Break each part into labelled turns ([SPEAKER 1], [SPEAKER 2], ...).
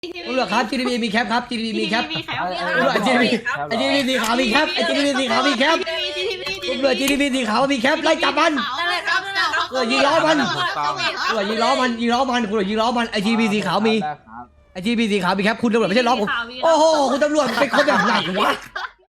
[SPEAKER 1] ตำรวจครับ GTB มีแคปครับ GTB มีแคปตำรวจ GTB ไอ้ GTB สีขาวมีแคปไอ้ GTB สีขาวมีแคปตำรวจ GTB สีขาวมีแคปไล่จับมันตำรวจยิงล้อมันตำรวจยิงล้อมันคุณตำรวจยิงล้อมันไอ้ GTB สีขาวมีไอ้ GTB สีขาวมีแคปคุณตำรวจไม่ใช่ล้อผมโอ้โหคุณตำรวจเป็นคนแบบไหนวะ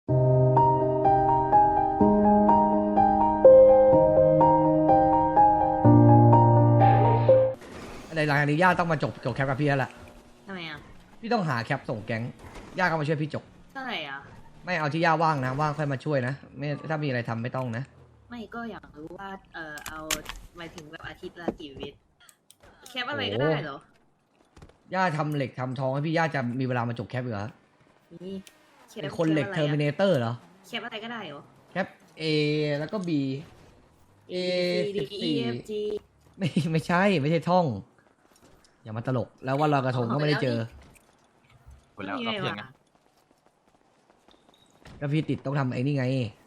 [SPEAKER 1] ในหลังจากนี้ย่าต้องมาจบแคปกับพี่แล้วแหละ
[SPEAKER 2] ทำไมอ่ะ
[SPEAKER 1] พี่ต้องหาแคปส่งแก๊งย่าก็มาช่วยพี่จบ
[SPEAKER 2] เท่าไหร่อ่ะ
[SPEAKER 1] ไม่เอาที่ย่าว่างนะว่างค่อยมาช่วยนะไม่ถ้ามีอะไรทำไม่ต้องนะ
[SPEAKER 2] ไม่ก็อยากรู้ว่าเอาหมายถึงแบบอาทิตย์ละกี่วิแคปอะไรก็ได้เหรอย่
[SPEAKER 1] าทำเหล็กทำทองให้พี่ย่าจะมีเวลามาจบแคปอีกเหรอ
[SPEAKER 2] นี่
[SPEAKER 1] เป็นคนเหล็กเทอร์มินเตอร์เหรอ
[SPEAKER 2] แคปอะไรก็ได้เหรอ
[SPEAKER 1] แคป A แล้วก็ B A
[SPEAKER 2] D E F G
[SPEAKER 1] 14ไม่ใช่ท่อง อย่ามาตลกแล้ววันลอยกระทงก็ไม่ได้เจอ
[SPEAKER 3] หมดแล้วรอบเที่ยงไง
[SPEAKER 1] ก็พี่ติดต้องทำไอ้นี่ไง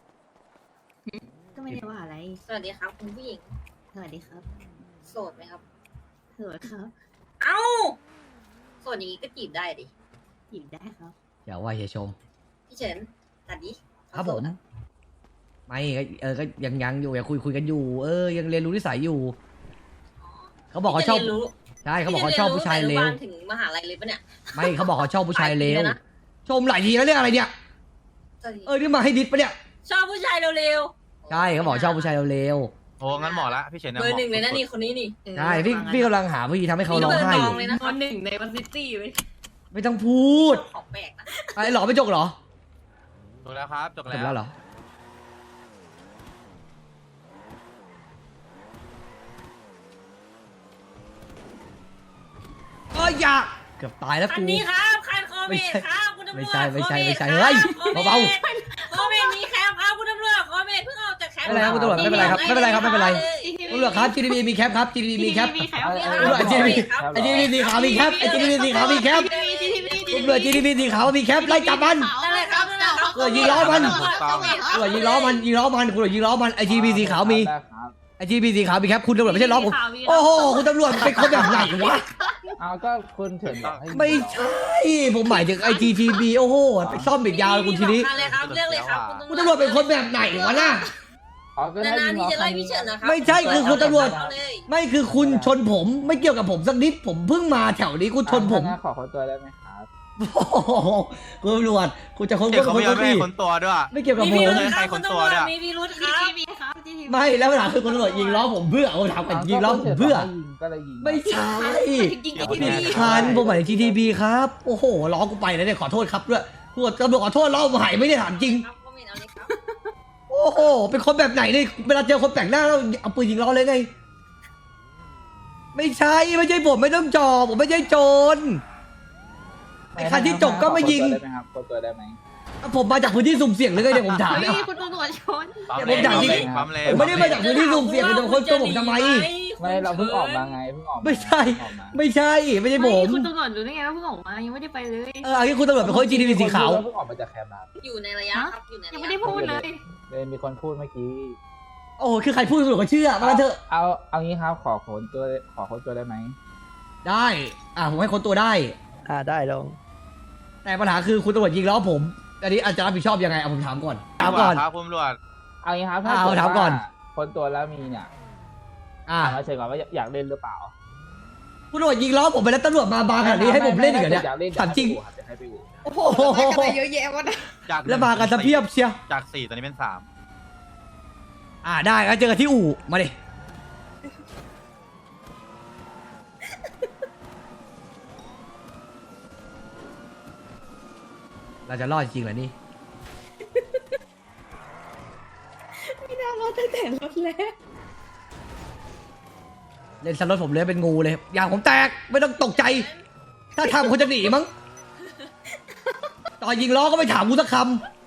[SPEAKER 2] ก็ไม่ได้ว่าอะไร
[SPEAKER 4] สวัสดีครับคุณผู้หญิง
[SPEAKER 2] สวัสดีครับ
[SPEAKER 4] โสดไหมครับ
[SPEAKER 2] สวัสดีครับ
[SPEAKER 4] เอ้าโสดอย่างนี้ก็จีบได้ดิ
[SPEAKER 2] หยิบได้ครับ
[SPEAKER 1] อย่าว่าเฮียชม
[SPEAKER 4] พี่เฉินตัดดิ
[SPEAKER 1] ครับผม
[SPEAKER 4] โสดอะ
[SPEAKER 1] ไม่ก็ยังอยู่อย่าคุยกันอยู่ยังเรียนรู้นิสัยอยู่ เขาบอกเขาชอบ
[SPEAKER 4] พี่จะรียนรู้
[SPEAKER 1] ใช่เขาบอกเขาชอบผู้ชายเลว
[SPEAKER 4] พี่จะรีนรู้ตั้งแต่อนุบาลถึงมหาลัยเลยปะเนี่ย
[SPEAKER 1] ไม่เขาบอกเขาชอบผู้ชายเลว
[SPEAKER 4] หลายปีแล้วนะ
[SPEAKER 1] ชมหลายทีแล้วเรื่องอะไรเนี่ยนี่มาให้ดิสปะเนี่ย
[SPEAKER 4] ชอบผู้ชายเร็วๆ
[SPEAKER 1] ใช่เขาบอกชอบผู้ชายเร็ว
[SPEAKER 3] โอ้งั้นเหมาะละพี่เฉิน
[SPEAKER 4] เบอร์หนึ่งเลยนะนี่คนนี้นี่
[SPEAKER 1] ๆใช่พี่กำลังหาวิธีทำให้เขาร้องไห้อยู่
[SPEAKER 4] เลยนะ
[SPEAKER 2] คนหนึ่งในวันซิตี้ไหม
[SPEAKER 1] ไม่ต้องพูด
[SPEAKER 4] ของแปลกนะ
[SPEAKER 1] ไอ้หลอไม่จกเหรอ
[SPEAKER 3] จบแล้วครับจบ
[SPEAKER 1] จ
[SPEAKER 3] แล้
[SPEAKER 1] บแล้ว
[SPEAKER 3] ว
[SPEAKER 1] เหรออย่าเกือบตายแล้ว
[SPEAKER 4] คัน
[SPEAKER 1] กู
[SPEAKER 4] นี้ครับคันโคเม
[SPEAKER 1] ไม่
[SPEAKER 4] ด
[SPEAKER 1] ใช่
[SPEAKER 4] ครับคุณตำรวจ
[SPEAKER 1] ไม่ใช่
[SPEAKER 4] โคเด
[SPEAKER 1] ไม่ใช่
[SPEAKER 4] ครับ
[SPEAKER 1] เฮ้ย
[SPEAKER 4] โคมด
[SPEAKER 1] เบา
[SPEAKER 4] โคเมดมีแคมครับคุณตำรวจโคเมดเพิ่งออกจากแคมป์
[SPEAKER 1] ไม่เป็นไรครับคุณตำรวจไม่เป็นไรครับไม่เป็นไรครับไม่เป็นไร ตำรวจครับ GTB มีแคปครับ GTB มีแคป
[SPEAKER 2] มีแคป
[SPEAKER 1] ตำรวจ GTB ไอ้ GTB สีขาวมีแคปไอ้ GTB สีขาวมีแคปตำรวจ GTB สีขาวมีแคปไล่จับมัน
[SPEAKER 4] นั่นแหละครับนั่นแหละครับ
[SPEAKER 1] ตำรวจยิงล้อมัน
[SPEAKER 3] ถูกต้อง
[SPEAKER 1] ตำรวจยิงล้อมันคุณตำรวจยิงล้อมันไอ้ GTB สีขาวมีไอ้ GTB สีขาวมีแคปคุณตำรวจไม่ใช่ล้อผมโอ้โหคุณตำรวจเป็นคนแบบไหนวะ
[SPEAKER 5] เอาก็คุณเฉินบอกให้
[SPEAKER 1] ไม่ใช่ผมหมายถึง IGTB โอ้โหไปซ่อมอีกยาวเลยคุณทีนี้
[SPEAKER 4] มาเลยครับเรื่องเลยครับ
[SPEAKER 1] คุณตำรวจเป็นคนแบบไหนวะน่ะ
[SPEAKER 5] อ๋อก็ได้
[SPEAKER 4] นาน
[SPEAKER 5] ยิ
[SPEAKER 4] ๆ
[SPEAKER 5] ง
[SPEAKER 4] ที่
[SPEAKER 5] ล้อ
[SPEAKER 4] จะ
[SPEAKER 5] คั
[SPEAKER 4] ไล่
[SPEAKER 5] น
[SPEAKER 4] พี่
[SPEAKER 5] นี้
[SPEAKER 4] เฉินนะครับ
[SPEAKER 1] ไม่ใช่คือคุณตำรวจ
[SPEAKER 4] เอาเลย
[SPEAKER 1] ไม่คือคุณชนผมไม่เกี่ยวกับผมสักนิดผมเพิ่งมาแถวนี้คุณชนผม
[SPEAKER 5] ถ้างั้ขอคนตัวได้ไหมครับ
[SPEAKER 1] โอ้โหคุณตำรวจคุณจะค้น
[SPEAKER 3] เดี๋ยว
[SPEAKER 1] ก็
[SPEAKER 3] เขา
[SPEAKER 1] ค้
[SPEAKER 3] ไม่
[SPEAKER 1] น
[SPEAKER 3] ยอมให้
[SPEAKER 1] พี่
[SPEAKER 3] คนตัวด้วย
[SPEAKER 1] ไม่เกี่ยวกับ
[SPEAKER 4] มี
[SPEAKER 1] ผ
[SPEAKER 4] พิ
[SPEAKER 1] ม
[SPEAKER 4] รุธค
[SPEAKER 3] ใคร
[SPEAKER 4] รับ
[SPEAKER 3] ค
[SPEAKER 4] คุ
[SPEAKER 3] น
[SPEAKER 4] ณ
[SPEAKER 3] ตัว
[SPEAKER 4] ตำรวจ
[SPEAKER 3] เนี่ย
[SPEAKER 4] มีพิรุธครับ
[SPEAKER 1] ไม่แล้วปัญหาคือคุณตำรวจยิงล้อผมเพื่อเอาถามกันยิงล้อผมเพื่อ
[SPEAKER 5] ยิงก็เลยยิง
[SPEAKER 1] ไม่ใช่
[SPEAKER 4] ยิง
[SPEAKER 3] เดี๋ยว
[SPEAKER 4] ที่
[SPEAKER 3] ผม
[SPEAKER 4] พี่
[SPEAKER 1] คันผมหมายถึง GTB ครับโอ้โหล้อกูไปแล้วเนี่ยขอโทษครับด้วยตำรวจขอโทษล้อผมหายไม่ได้ถามจริง
[SPEAKER 4] ครับก็ไม่เอาเลยครับ
[SPEAKER 1] โอ้โห เป็นคนแบบไหนเนี่ยเวลาเจอคนแปลกหน้าแล้วเอาปืนยิงล้อเลยไง ไม่ใช่ผมไม่ต้องจอผมไม่ใช่โจรไอ้คันที่จบก็ไม่ยิง
[SPEAKER 5] ขอคนตัวได้ไหมครับคนตัวได้ไหม
[SPEAKER 1] ผมมาจากพื้นที่สุ่มเสี่ยงหรือไงเนี่ยผมถามเนี่ย
[SPEAKER 2] คุณตำรวจชน
[SPEAKER 3] ปั๊ม
[SPEAKER 1] ผมอยากยิง
[SPEAKER 3] ปั๊มเลย
[SPEAKER 1] ผมไม่ได้มาจากพื้นที่สุ่มเสี่ยงคุณจะมาค้นตัวผมทำไม
[SPEAKER 5] ไม่เราเพิ่งออกมาไงเพิ่งออกา
[SPEAKER 1] ไม่ใช่
[SPEAKER 5] เพิ่งออกมา
[SPEAKER 1] ไม่ใช่ผม
[SPEAKER 2] คุณตำรวจรู้ได้ไงว่าเพิ่งออกมายังไม่ได้ไปเลย
[SPEAKER 1] อันนี้คุณตำรวจเป็นคน GTB สีขาว
[SPEAKER 5] เพิ่งออกมาจากแคมป์ครับ
[SPEAKER 4] อยู่ในระยะครับอยู่ใน
[SPEAKER 2] ยัง
[SPEAKER 4] ระ
[SPEAKER 2] ไม่
[SPEAKER 4] ยะ
[SPEAKER 2] ได้พูดเลย
[SPEAKER 5] เลยมีคนพูดเมื่อกี้
[SPEAKER 1] โอ้คือใครพูดตำรวจก็เชื่อมาเถอะ
[SPEAKER 5] เอางี้ครับขอคนตัวได้ไหม
[SPEAKER 1] ได้ผมให้คนตัวได้
[SPEAKER 6] ได้ลง
[SPEAKER 1] แต่ปัญหาคือคุณตำรวจยิงล้อผมอันนี้อาจจะรับผิดชอบยังไงเอาผมถามก่อนถามก่อน
[SPEAKER 3] ครับคุณตำรวจ
[SPEAKER 5] เอางี้ครับถ้า
[SPEAKER 1] เอา
[SPEAKER 5] เกิด
[SPEAKER 1] ถามก่อน
[SPEAKER 5] ว่าคนตัวแล้วมีเนี่ย
[SPEAKER 1] อ่า
[SPEAKER 5] ถามมาเฉยก่อนว่าอยากเล่นหรือเปล่า
[SPEAKER 1] คุณตำรวจยิงล้อผมไปแล้วตำรวจมาบางขนาดนี้ให้ผมเล่นอีกเหรอเนี่ย
[SPEAKER 5] อยากเล่น
[SPEAKER 1] ถามจริง
[SPEAKER 5] เดี๋ยวให้ไปดู
[SPEAKER 1] โอ้โห
[SPEAKER 4] เยอะแยะวะนะ
[SPEAKER 3] จาก
[SPEAKER 1] แล้วมากันสะเพียบเชียว
[SPEAKER 3] จาก4ตอนนี้เป็น3
[SPEAKER 1] ได้แล้วเจอกันที่อู่มาดิเราจะรอดจริงเหรอนี่
[SPEAKER 4] ไม่น่ารอดตั้งแต่รถแล้ว
[SPEAKER 1] เล่นสล็อตผมเลยเป็นงูเลยอย่างผมแตกไม่ต้องตกใจ ถ้าทำคนจะหนีมั้งตอนยิงล้อก็ไม่ถามกูสักคำ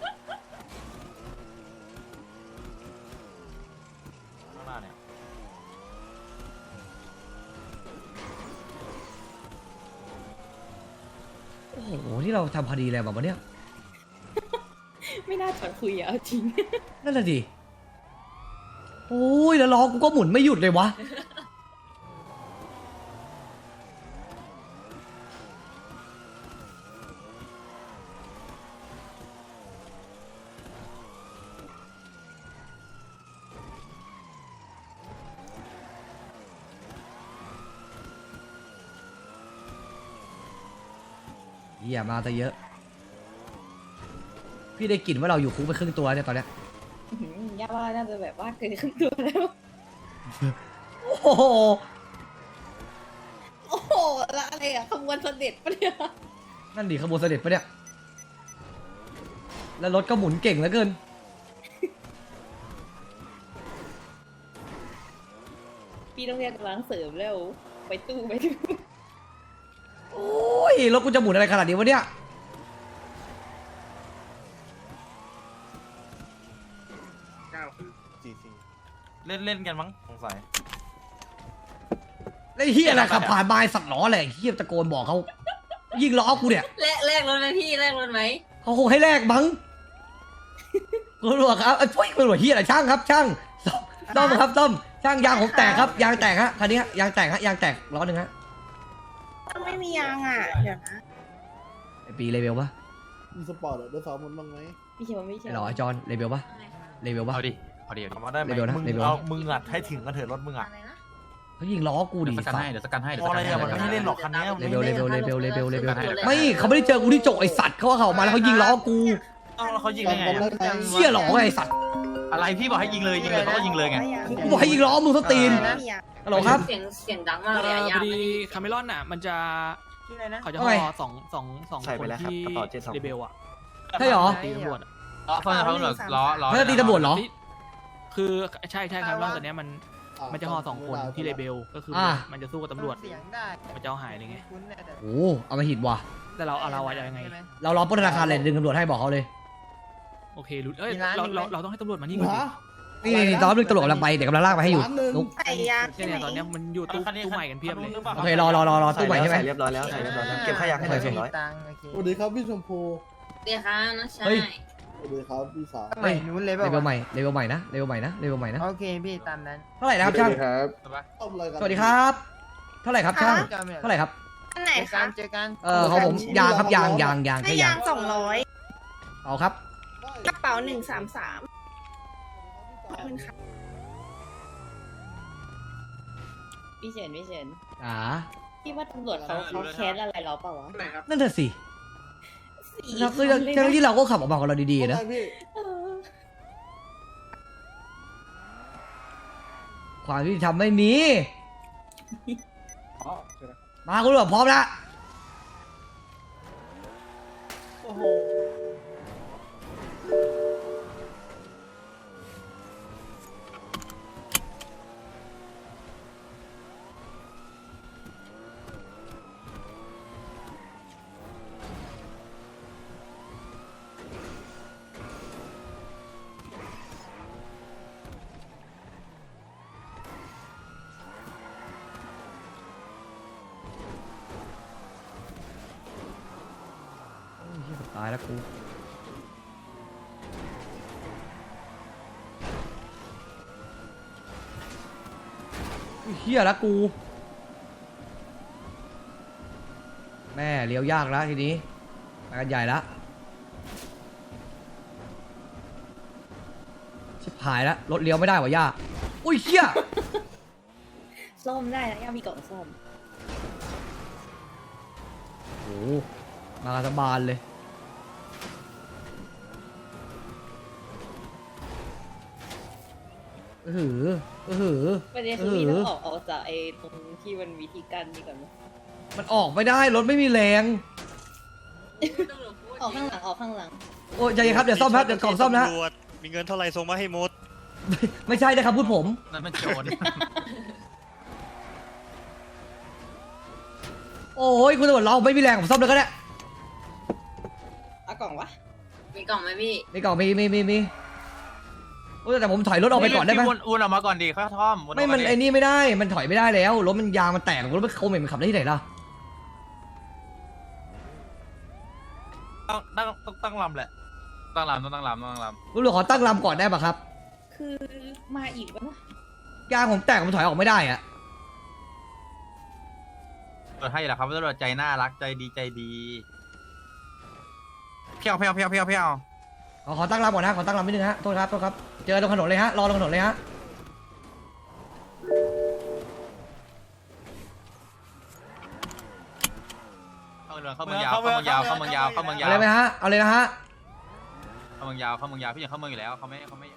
[SPEAKER 1] โอ้โหที่เราทำคดีอะไรแบบวันเนี้ย
[SPEAKER 4] ไม่น่าชวนคุยอะเอาจริง
[SPEAKER 1] นั่นแหละดิโอ้ยแล้วล้อกูก็หมุนไม่หยุดเลยวะเหี้ยมาซะเยอะ พี่ได้กลิ่นว่าเราอยู่คุกไปครึ่งตัวเนี่ยตอนเนี้ย
[SPEAKER 2] ย่าว่าน่าจะแบบว่าเกินครึ่งตัวแล้ว
[SPEAKER 1] โอ้โห
[SPEAKER 2] โอ้โหแล้วอะไรอะขบวนเสด็จปะเนี่ย
[SPEAKER 1] นั่นดิขบวนเสด็จปะเนี่ย แล้วรถก็หมุนเก่งเหลือเกิน
[SPEAKER 2] พี่ต้องเรียกกำลังเสริมแล้วไปตู้ไปตู้
[SPEAKER 1] โอ้ยรถกูจะหมุนอะไรขนาดนี้วะเนี่ย
[SPEAKER 3] เล่นเล่นกันมั้งสงสัย
[SPEAKER 1] ไอ้เฮียอะไรขับผ่านมาไอ้สัตว์ล้ออะไรเฮียตะโกนบอกเขายิงล้อกูเนี่ย
[SPEAKER 4] แลกรถไหมพี่แลกรถไหม
[SPEAKER 1] เขาคงให้แลกมั้งตำรวจครับไอ้พวกตำรวจเฮียอะไรช่างครับช่างซ่อมครับซ่อมช่างยางผมแตกครับยางแตกฮะคันนี้ฮะยางแตกฮะยางแตกล้อหนึ่งฮะ
[SPEAKER 2] ไม่มียางอ่ะเดี๋ยวนะ
[SPEAKER 1] ไอ้ปีเลเวลปะ
[SPEAKER 6] มีสปอร์ตได้ซ้อมมันบ้างไหม
[SPEAKER 2] พี่เขียวไม่ใช่
[SPEAKER 1] ไอ้หรอไอ้จอนเลเวลปะเลเวลปะ
[SPEAKER 3] เอาดิเอาดิเอาดิ
[SPEAKER 7] มาได้ไหม
[SPEAKER 1] เร็วๆนะ
[SPEAKER 7] มึง
[SPEAKER 1] เร็วๆ
[SPEAKER 7] เอามึงอัดให้ถึงกันเถอะรถมึงอ่ะ
[SPEAKER 4] อะไรนะ
[SPEAKER 1] เขายิงล้อกู
[SPEAKER 3] เดี๋
[SPEAKER 1] ดิ
[SPEAKER 3] ยวสกันให้เดี๋ยวสกันให้เดี๋ยว
[SPEAKER 7] พ
[SPEAKER 3] ส
[SPEAKER 7] อ
[SPEAKER 3] กั
[SPEAKER 7] อะ
[SPEAKER 3] น
[SPEAKER 7] ไร
[SPEAKER 3] ให้
[SPEAKER 7] อะมันไม่เล่นหรอกคันเนี้ย
[SPEAKER 1] เลเวลเลเวลเลเวลเลเวลเลเวล
[SPEAKER 3] สกันให้
[SPEAKER 1] ไม่เขาไม่ได้เจอกูที่จกไอ้สัตว์เขาว่าเขาออกมาแล้วเขายิงล้อกู
[SPEAKER 7] ต้องแล้วเขายิงได้ไงอะ
[SPEAKER 1] เชี่ยหรอไอ้สัตว์
[SPEAKER 3] อะไรพี่บอกให้ยิงเลยเขาก็ยิงเลยไง
[SPEAKER 1] กูบอกให้ยิงล้อมึงสตีนฮัลโหลครับ
[SPEAKER 4] เสียงดังมากเลยอะ
[SPEAKER 8] พ
[SPEAKER 4] ยา
[SPEAKER 8] อดีคาเมลอนอ่ะ มันจะเขาจะ
[SPEAKER 1] ว่า
[SPEAKER 8] ห่
[SPEAKER 1] ไง
[SPEAKER 8] อสอง
[SPEAKER 7] ใส่
[SPEAKER 8] ค
[SPEAKER 7] ไป
[SPEAKER 8] น
[SPEAKER 7] แล้วครับ
[SPEAKER 8] ที่
[SPEAKER 7] กระเป๋า7 2
[SPEAKER 8] เรเบลอ่ะ
[SPEAKER 1] ใช่หรอ
[SPEAKER 8] ตีตำรวจอะ
[SPEAKER 3] ล้อเพื่อนเขาเหรอล้อ
[SPEAKER 1] เขาจะตีตำรวจเหรอ
[SPEAKER 8] คือใช่คาเมลอนตัวเนี้ยมันจะห่อสองคนที่เรเบลก็คืออา มันจะสู้กับตำรวจมันจะเอาหายเลยไง
[SPEAKER 1] โอ้เอามาหิดว่ะ
[SPEAKER 8] แต่เราอะยังไง
[SPEAKER 1] เรารอปล้นธนาคารเลยดึงตำรวจให้บอกเขาเลย
[SPEAKER 8] โอเครู้เอ้ยเราต้องให้ตำรวจมานี่ก่อนดิ
[SPEAKER 6] ฮะ
[SPEAKER 1] นี่ตอนนึงตำรวจกำลังไปเดี๋ยวกำลังลากไปให้อยู่
[SPEAKER 6] ล้านหนึ่ง
[SPEAKER 1] นุ๊ก
[SPEAKER 8] เนี่ยตอนเนี้ยมันอยู่ตู้ใหม่กันเพียบเลย
[SPEAKER 1] โอเครอตู้ใหม่ใช่ไหม
[SPEAKER 7] ใส่เรียบร้อยแล้วใส่เรียบร้อยแล้วเก็บขยะให้หน่อย
[SPEAKER 1] โอเค
[SPEAKER 7] 200
[SPEAKER 6] สวัสดีครับพี่ชมพู
[SPEAKER 4] เดี๋ยวค่ะน้องชา
[SPEAKER 1] เฮ้ย
[SPEAKER 4] ย
[SPEAKER 6] สวัสดีครับพี่สาว
[SPEAKER 1] เฮ้ยเลเวลใหม่เลเวลใหม่นะเลเวลใหม่นะเลเวลใหม่นะ
[SPEAKER 9] โอเคพี่ตามนั้น
[SPEAKER 1] เท่าไหร่นะครับช่าง
[SPEAKER 6] ต้มอะไรกัน
[SPEAKER 1] สวัสดีครับ เท่าไหร่ครับช่างเท่าไหร่ครับ
[SPEAKER 2] อันไหน
[SPEAKER 9] เจอกั
[SPEAKER 2] คะ
[SPEAKER 9] นเจอกัน
[SPEAKER 1] ของผมยางครับยางแค่
[SPEAKER 2] ให้
[SPEAKER 1] ยาย
[SPEAKER 2] าง ง200
[SPEAKER 1] เอาครับ
[SPEAKER 2] กระเป๋า133ขอบคุณค่ะพี่เฉินพี่ว่าตำรวจเขาแค้นอะไรเราเปล่าวะ
[SPEAKER 1] นั่นน่ะสิ
[SPEAKER 2] สี
[SPEAKER 1] แล้ว
[SPEAKER 2] เขาเลย
[SPEAKER 1] ทั้ง
[SPEAKER 2] นะ
[SPEAKER 1] ที่เราก็ขับออกมาของเราดีๆนะ
[SPEAKER 6] ว่าไงพี่
[SPEAKER 2] เออ
[SPEAKER 1] ความที่ทำไม่มีมาคุณตำรวจพร้อมแล้ว
[SPEAKER 6] โอ้โห
[SPEAKER 1] ตายแล้วกูเฮียแล้วกู แม่เลี้ยวยากแล้วทีนี้ไปกันใหญ่แล้วชิบหายแล้วรถเลี้ยวไม่ได้ว่ะย่าอุ้ยเฮีย
[SPEAKER 2] ซ่อมได้นะย่ามีกล่องซ่อม
[SPEAKER 1] โอ้โหมากันทั้งบานเลย
[SPEAKER 2] ประเด็นคือพี่ต้องออกจากไอ้ตรงที่มันวิธีการนี่ก่อนไหม
[SPEAKER 1] มันออกไม่ได้รถไม่มีแรง
[SPEAKER 2] ออกข้างหลังออกข้างหลัง
[SPEAKER 1] โอ้ยใจเย็นครับเดี๋ยวซ่อมครับเดี๋ยวกล่องซ่อมนะ
[SPEAKER 10] มีเงินเท่าไหร่ส่งมาให้หมด
[SPEAKER 1] ไม่ใช่นะครับพูดผม
[SPEAKER 3] นั่นมันโจร
[SPEAKER 1] โอ้ยคุณตำรวจเราไม่มีแรงผมซ่อมเลยก็ได้
[SPEAKER 2] เอากล่องวะ
[SPEAKER 4] มีกล่องไหมพี่
[SPEAKER 1] มีกล่องมีโอ้ยแต่ผมถอยรถออกไปก่อนได้ไหม
[SPEAKER 3] พี่วนออกมาก่อนดีค่อยท่อม
[SPEAKER 1] ไม่มันไอ้นี่ไม่ได้มันถอยไม่ได้แล้วรถมันยางมันแตกรถมันโคมมันขับได้ที่ไหนล่ะ
[SPEAKER 3] ตั้งลำแหละตั้งลำต้องตั้งลำ
[SPEAKER 1] คุณตำรวจขอตั้งลำก่อนได้ปะครับ
[SPEAKER 2] คือมาอีกวะนะ
[SPEAKER 1] ยางผมแตกผมถอยออกไม่ได้อะ
[SPEAKER 3] ตำรวจให้แหละครับตำรวจใจน่ารักใจดีเพี้ยว
[SPEAKER 1] ขอตั้งลำก่อนนะขอตั้งลำนิดนึงฮะโทษครับเจอตรงถนนเลยฮะรอตรงถนนเลยฮะ
[SPEAKER 3] เข้าเมืองยาวเข้าเมืองยาวเข้าเมืองยาวเข้าเมืองยาว
[SPEAKER 1] เอาเลยไหมฮะเอาเลยนะฮะ
[SPEAKER 3] เข้าเมืองยาวเข้าเมืองยาวพี่ยังเข้าเมืองอยู่แล้วเขาไม่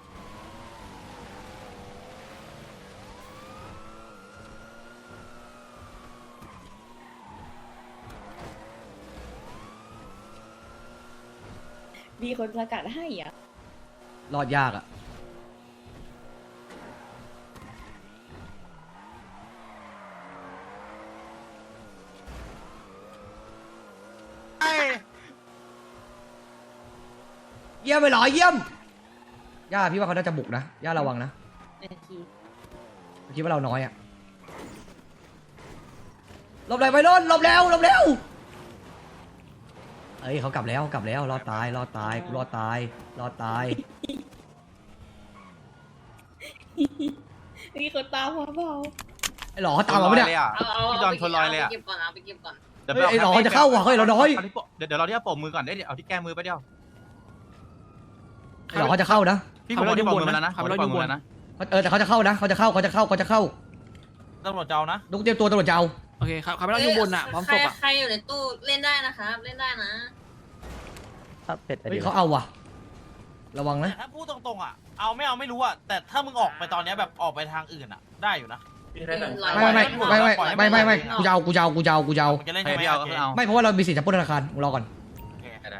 [SPEAKER 4] มีคนประกาศให้อ่ะ
[SPEAKER 1] รอดยากอ่ะ เยี่ยมไปเหรอเยี่ยมย่าพี่ว่าเขาน่าจะบุกนะย่าระวังนะคิดว่าเราน้อยอ่ะหลบเลยไปโน่นหลบแล้วเอ้ยเขากลับแล้วรอดตายกูรอดตาย
[SPEAKER 4] มีคนตามมาเปล่า
[SPEAKER 1] ไอ้หลอตามมาปะเนี่ย
[SPEAKER 3] พี่จอนชนลอยเลยอ่ะ
[SPEAKER 2] เก็บก่อนเอาไปเก็บก่อน
[SPEAKER 3] เดี๋ยว
[SPEAKER 1] ไอ้หลอจะเข้าว่ะเฮ้ยเราน้อย
[SPEAKER 3] เดี๋ยวเราที่ปมมือก่อนได้เอาที่แก้มือไปเดียว
[SPEAKER 1] ไอ้หลอเขาจะเข้านะ
[SPEAKER 3] พี่ผมที่ปมมือแล้วนะ
[SPEAKER 1] แต่เขาจะเข้านะเขาจะเข้า
[SPEAKER 7] ตำรวจเจ้านะ
[SPEAKER 1] นุกเตรียมตัวตำรวจจะเอา
[SPEAKER 8] โอเคครับไม่ต้องอยู่บนอ่ะพร้อมศพอ่ะ
[SPEAKER 2] ใครอยู่ในตู้เล่นได้นะครับเล่นได้นะ
[SPEAKER 1] เฮ้ยเขาเอาว่ะระวังนะ
[SPEAKER 7] แต่ถ้าพูดตรงๆอ่ะเอาไม่รู้อ่ะแต่ถ้ามึงออกไปตอนเนี้ยแบบออกไปทางอื่นอ่ะได้อยู่นะ
[SPEAKER 1] ไม่กูจะเอา
[SPEAKER 7] มึงจะเล่น
[SPEAKER 3] ให้
[SPEAKER 7] ใช่ไหม
[SPEAKER 3] พี่เอาเอา
[SPEAKER 1] ไม่เพราะว่าเรามีสิทธิ์จะปล้นธนาคารมึงรอก่อน
[SPEAKER 3] ได้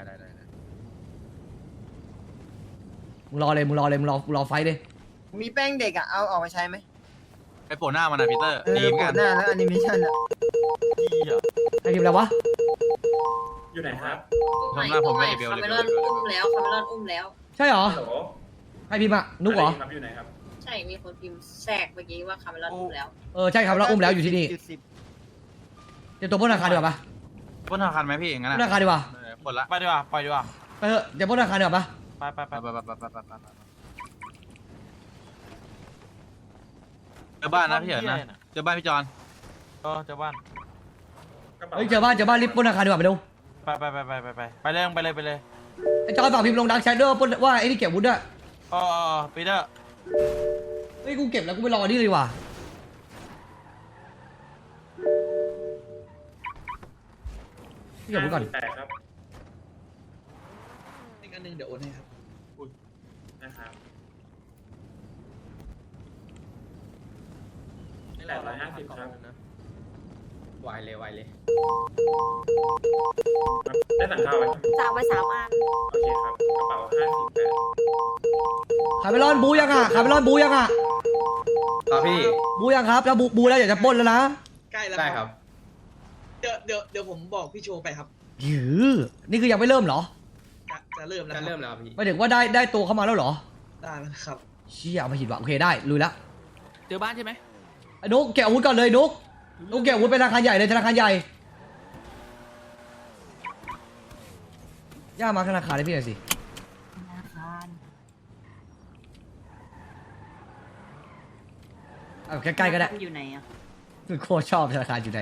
[SPEAKER 1] มึงรอไฟเลย
[SPEAKER 9] มีแป้งเด็กอ่ะ เอาออกมาใช้ไหม
[SPEAKER 3] ไปโผล่หน้ามันนะพีเตอร์ดีเหมือน
[SPEAKER 9] โผ
[SPEAKER 3] กั
[SPEAKER 9] ล่
[SPEAKER 3] น
[SPEAKER 9] หน้าแล้วแอนิเมชันอ่ะ
[SPEAKER 1] ใครพิมพ์อะไรวะ
[SPEAKER 6] อยู่ไหนครับ
[SPEAKER 2] ตู้ใหม่คาเมลอนอุ้มแล้ว
[SPEAKER 1] ใช่เหรอใครพิมพ์อะนุกเหรอ
[SPEAKER 6] อยู่ไหนครับ
[SPEAKER 2] ใช่มีคนพิมพ์แทรกเมื่อกี้ว่าคาเมลอนอุ้มแล้ว
[SPEAKER 1] ใช่ครับเราอุ้มแล้วอยู่ที่นี่ เตรียมตัวปล้นธนาคารดีกว่าปะ
[SPEAKER 3] ปล้นธนาคารไหมพี่อย่างนั้น
[SPEAKER 1] ปล้นธนาคารดีกว่า
[SPEAKER 3] ปล้นละ
[SPEAKER 7] ไปดีกว่าปล่อยดีกว่า
[SPEAKER 1] ไปเถอะเดี๋ยวปล้นธนาคารดีกว่าปะ
[SPEAKER 7] ไป
[SPEAKER 3] เจอบ้านนะพี่เหินนะเจอบ้านพี่จอน
[SPEAKER 7] เจ้าบ้าน
[SPEAKER 1] เฮ้ยเจอบ้านรีบปล้นธนาคารดีกว่าไปดู
[SPEAKER 7] ไปเลย
[SPEAKER 1] ไอ้จอยฝากพิมพ์ลงดังแชทด้วยว่าไอ้นี่เก็บวุ้นด้วย
[SPEAKER 7] ปีเตอร์
[SPEAKER 1] เฮ้ยกูเก็บแล้วกูไปรอนี่เลยว่ะพี่เก็บวุ้นก่อน
[SPEAKER 6] ครับอีกอันนึงเดี๋ยวโอนให้ครับนะครับนี่แหละ150ครับไวเลยได้สั่งข้าวไว้
[SPEAKER 4] สั่งไป3 อัน
[SPEAKER 6] โอเคครับกระเป๋า58
[SPEAKER 1] คาเมลอนบูยังอ่ะ
[SPEAKER 6] ครับพี่
[SPEAKER 1] บูยังครับถ้าบูแล้วอยากจะปล้นแล้วนะ
[SPEAKER 6] ใกล้แล้วได้ครับเดี๋ยวผมบอกพี่โชว์ไปครับ
[SPEAKER 1] ยื้อนี่คือยังไม่เริ่มเหรอ
[SPEAKER 6] จะเริ่มแล้วครับพี่
[SPEAKER 1] ไม่ถึงว่าได้ตัวเข้ามาแล้วเหรอ
[SPEAKER 6] ได้แล้วครับ
[SPEAKER 1] เชี่ยเอามาหิดว่ะโอเคได้ลุยละ
[SPEAKER 8] เจอบ้านใช่ไหม
[SPEAKER 1] ไอ้นุ๊กเก็บอาวุธก่อนเลยนุ๊กเก็บอาวุธเป็นธนาคารใหญ่เลยธนาคารใหญ่ย่ามาธนาคารให้พี่หน่อยสิเอาใกล้ๆก็ได้
[SPEAKER 2] อยู่ไหนอ่ะ
[SPEAKER 1] โคตรชอบธนาคารอยู่ไหน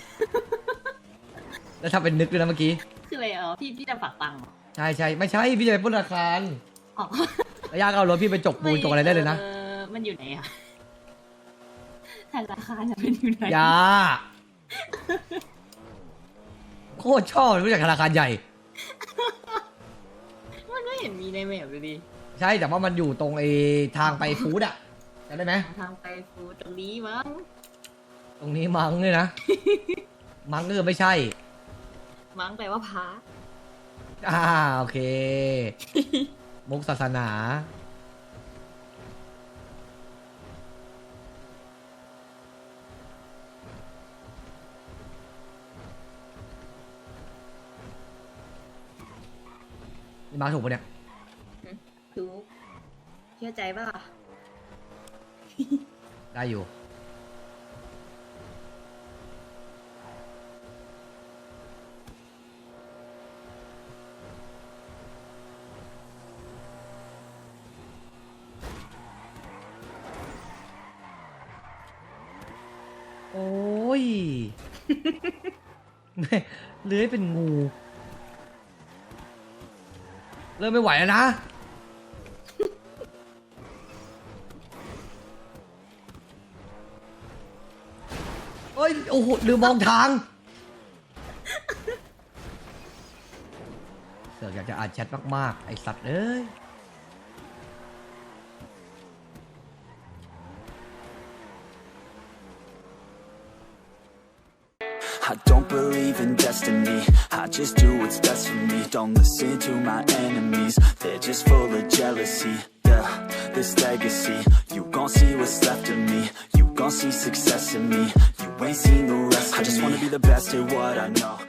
[SPEAKER 1] แล้วถ้าเป็นนึกด้วยนะเมื่อกี้
[SPEAKER 2] คืออะไรพี่จะฝากตังค์
[SPEAKER 1] ใช่ไม่ใช่พี่จะไปปล้นธนาคาร
[SPEAKER 2] อ๋อ
[SPEAKER 1] แล้วย่าก็เอารถพี่ไปจกปูนจกอะไรได้เลยนะ
[SPEAKER 2] มันอยู่ไหนอ่ะธนาคารมันอยู่ไหน
[SPEAKER 1] ย่าโคตรชอบรู้จักธนาคารใหญ่
[SPEAKER 2] มันไม่เห็นมีในแมปเลยดิ
[SPEAKER 1] ใช่แต่ว่ามันอยู่ตรงไอ้ทางไปฟู้ดอะจำได้ไหม
[SPEAKER 2] ทางไปฟูตรงนี้มั้ง
[SPEAKER 1] ตรงนี้มังเลยนะ มังก็คือไม่ใช่
[SPEAKER 2] มั้งแปลว่าพระ
[SPEAKER 1] โอเค มุกศาสนานี่มาถูกปะเนี่ย
[SPEAKER 2] ดูเชื่อใจป่ะ
[SPEAKER 1] ได้อยู่ โอ้ย เลื้อยเป็นงู เริ่มไม่ไหวแล้วนะ เฮ้ย โอ้โหลืมมองทางเสือกอยากจะอ่านแชทมากๆไอสัตว์เอ้ย
[SPEAKER 11] I don't believe in destiny, I just do what's best for me. Don't listen to my enemies, they're just full of jealousy. Yeah, this legacy, you gon' see what's left of me. You gon' see success in me, you ain't seen the rest of me. I just wanna be the best at what I know.